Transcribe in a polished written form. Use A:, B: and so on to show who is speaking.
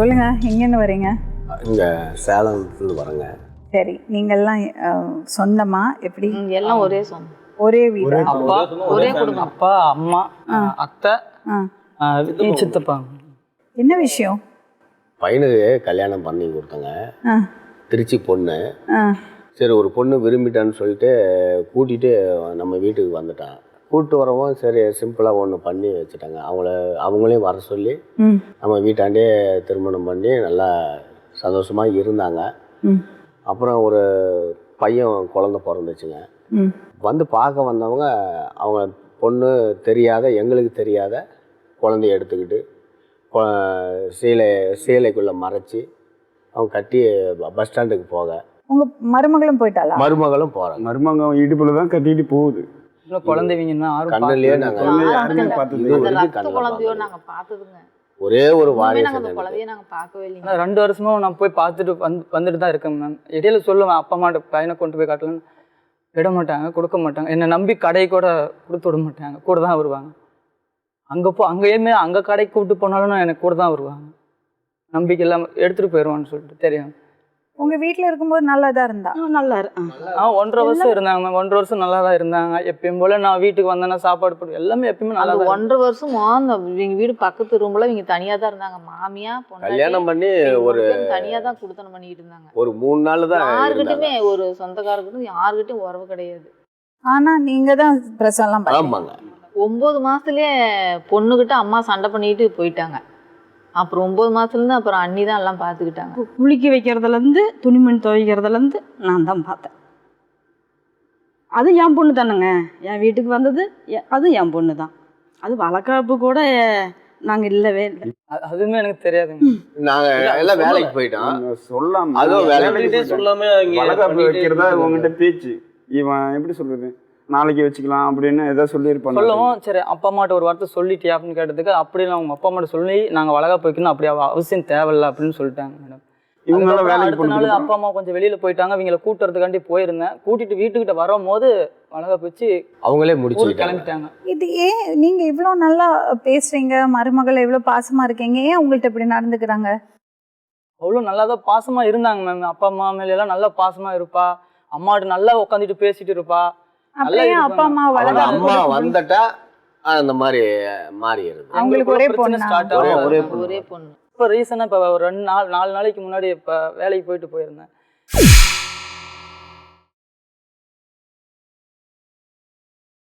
A: சொல்லுங்க, எங்கேருந்து வரீங்க?
B: இங்கே சேலத்துலேருந்து வரேங்க.
A: சரி, நீங்கள்லாம் சொந்தமா எப்படி?
C: எல்லாம் ஒரே சொந்தம்,
A: ஒரே வீடு?
D: அப்பா
C: ஒரே குடும்பம்.
D: அப்பா, அம்மா, அத்தை, சித்தப்பா.
A: என்ன விஷயம்?
B: பையனுக்கு கல்யாணம் பண்ணி கொடுத்தங்க. திருச்சி பொண்ணு. சரி, ஒரு பொண்ணு விரும்பிட்டான்னு சொல்லிட்டு கூட்டிகிட்டு நம்ம வீட்டுக்கு வந்துட்டான். கூப்பிட்டு வரவும் சரி சிம்பிளாக ஒன்று பண்ணி வச்சுட்டாங்க. அவங்களையும் வர சொல்லி நம்ம வீட்டாண்டே திருமணம் பண்ணி நல்லா சந்தோஷமாக இருந்தாங்க. அப்புறம் ஒரு பையன் குழந்த பிறந்துச்சுங்க. வந்து பார்க்க வந்தவங்க அவங்க பொண்ணு தெரியாத, எங்களுக்கு தெரியாத குழந்தைய எடுத்துக்கிட்டு சேலைக்குள்ளே மறைச்சி அவங்க கட்டி பஸ் ஸ்டாண்டுக்கு போக.
A: உங்க மருமகளும் போயிட்டாளா?
B: மருமகளும் போகிறாங்க.
E: மருமகம் இடுப்புல தான் கட்டிட்டு போகுது.
D: குழந்தைங்கன்னா
B: கண்ணுலயே நாங்கள்
C: குழந்தையோ நாங்க பார்த்ததுங்க
B: ஒரே ஒரு வாரிசு.
C: குழந்தைய நாங்க பார்க்கவே இல்லைங்க.
D: 2 வருஷமா நான் போய் பார்த்துட்டு வந்துட்டு தான் இருக்கேன் மேம். இடையில சொல்லுவேன் அப்பா அம்மாட்ட பையனை கொண்டு போய் காட்டலன்னு, விட மாட்டாங்க, கொடுக்க மாட்டாங்க. என்னை நம்பி கடை கூட கொடுத்து விட மாட்டாங்க, கூட தான் வருவாங்க. அங்கேயுமே அங்கே கடைக்கு கூப்பிட்டு போனாலும் எனக்கு கூட தான் வருவாங்க. நம்பிக்கை இல்லாமல் எடுத்துகிட்டு போயிடுவான்னு சொல்லிட்டு தெரியும்.
A: உங்க வீட்டில் இருக்கும்போது நல்லா தான் இருந்தா?
C: நல்லா
D: 1.5 வருஷம் இருந்தாங்க மேம். 1.5 வருஷம் நல்லா தான் இருந்தாங்க. எப்பயும் போல நான் வீட்டுக்கு வந்தேன்னா சாப்பாடு போட்டு எல்லாமே எப்பயுமே நல்லா தான்.
C: 1.5 வருஷமா எங்க வீடு பக்கத்து ரூம்ல இவங்க தனியா தான் இருந்தாங்க. மாமியா
B: கல்யாணம் பண்ணி ஒரு
C: தனியா தான் குடுத்தனம் பண்ணிட்டு இருந்தாங்க.
B: ஒரு 3 நாள் தான்.
C: யாருக்கிட்டுமே ஒரு சொந்தக்காரர்கிட்டும் யாருக்கிட்டும் உறவு கிடையாது.
A: ஆனா நீங்க தான் பிரசவம்லாம் பண்ணீங்க.
B: ஆமாங்க.
C: 9 மாசத்துலயே பொண்ணுகிட்ட அம்மா சண்டை பண்ணிட்டு போயிட்டாங்க. அப்புறம் 9 மாசத்துலேருந்து அப்புறம் அண்ணி தான் எல்லாம் பார்த்துக்கிட்டாங்க.
F: குளிக்க வைக்கிறதுலேருந்து துணிமணி துவைக்கிறதுலேருந்து நான் தான் பார்த்தேன். அது என் பொண்ணு தானேங்க. என் வீட்டுக்கு வந்தது அது என் பொண்ணு தான். அது வளர்க்காப்பு கூட நாங்கள் இல்லவே இல்லை.
D: அதுவுமே எனக்கு தெரியாதுங்க.
B: நாங்கள் எல்லாம் வேலைக்கு போயிட்டோம்.
E: சொல்லாம
B: அதுவும் வேலைக்கு
G: சொல்லாம
E: வளர்க்காப்பு வைக்கிறதா உங்ககிட்ட பேச்சு. இவன் எப்படி சொல்றது, நாளைக்கு வச்சுக்கலாம் அப்படின்னு ஏதாவது சொல்லியிருப்பாங்க.
D: சொல்லவும் சரி அப்பா அம்மாட்ட ஒரு வார்த்தை சொல்லிட்டியா அப்படின்னு கேட்டதுக்கு, அப்படிலாம் அவங்க அப்பா அம்மாட்ட சொல்லி நாங்கள் வளர்க்க போய்க்கணும், அப்படி அவசியம் தேவையில்லை அப்படின்னு சொல்லிட்டாங்க மேடம்.
E: இவங்களாம் வேலைக்கு
D: அடுத்த நாள் அப்பா அம்மா கொஞ்சம் வெளியில் போயிட்டாங்க. இவங்களை கூட்டுறதுக்காண்டி போயிருந்தேன். கூட்டிட்டு வீட்டுக்கிட்ட வரும்போது வளர்க்க போச்சு
B: அவங்களே முடிச்சு
D: கிளம்பிட்டாங்க.
A: இது ஏன் நீங்க இவ்வளோ நல்லா பேசுறீங்க, மருமகள் எவ்வளோ பாசமா இருக்கீங்க, ஏன் உங்கள்கிட்ட இப்படி நடந்துக்கிறாங்க?
D: அவ்வளோ நல்லா தான் பாசமாக இருந்தாங்க மேம். அப்பா அம்மா மேல எல்லாம் நல்லா பாசமாக இருப்பா. அம்மாட்ட நல்லா உட்காந்துட்டு பேசிட்டு இருப்பா.
A: அப்படியே அப்பா அம்மா
B: அம்மா வந்துட்டா அந்த மாதிரி மாறிடுது.
A: அவங்களுக்கு ஒரே பொண்ணு
D: ஸ்டார்ட்
B: ஒரே
C: ஒரே பொண்ணு.
D: இப்போ ரீசனாக இப்போ ஒரு 4 நாளைக்கு முன்னாடி இப்போ வேலைக்கு போயிட்டு போயிருந்தேன்.